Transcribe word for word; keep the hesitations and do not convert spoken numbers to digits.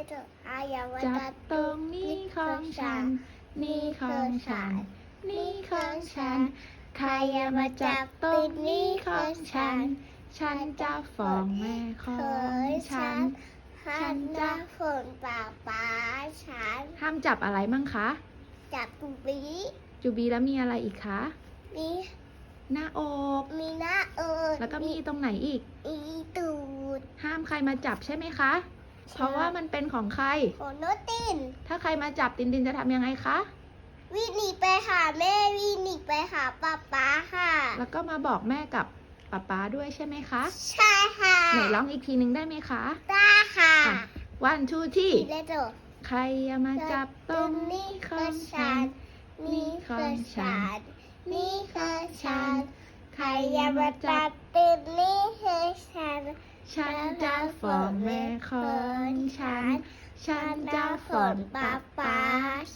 จับตรงนี้ของฉันนี่ของฉันนี่ของฉันใครอย่ามาจับตรงนี้ของฉันฉันจะฟ้องแม่ของฉันฉันจะฝนป่าป้าฉันห้ามจับอะไรมั่งคะจับปุบีจูบีแล้วมีอะไรอีกคะมีหน้าอกมีหน้าเอิญแล้วก็มีตรงไหนอีกอีตูดห้ามใครมาจับใช่ไหมคะ เพราะว่ามันเป็นของใครของโนตินถ้าใครมาจับตินตินจะทำยังไงคะวิ่งหนีไปหาแม่วิ่งหนีไปหาป้าป้าค่ะแล้วก็มาบอกแม่กับป๊าป๊าด้วยใช่ไหมคะใช่ค่ะไหนร้องอีกทีหนึ่งได้ไหมคะได้ค่ะวันทูที่เลโจใครอย่ามาจับตรงนี้ของฉัน นี่ของฉันนี่ของฉัน ใครอย่ามาจับติดนี่คือฉันฉันจะฟ้องแม่ของฉัน ฉันจะฟ้องป๊าป๊า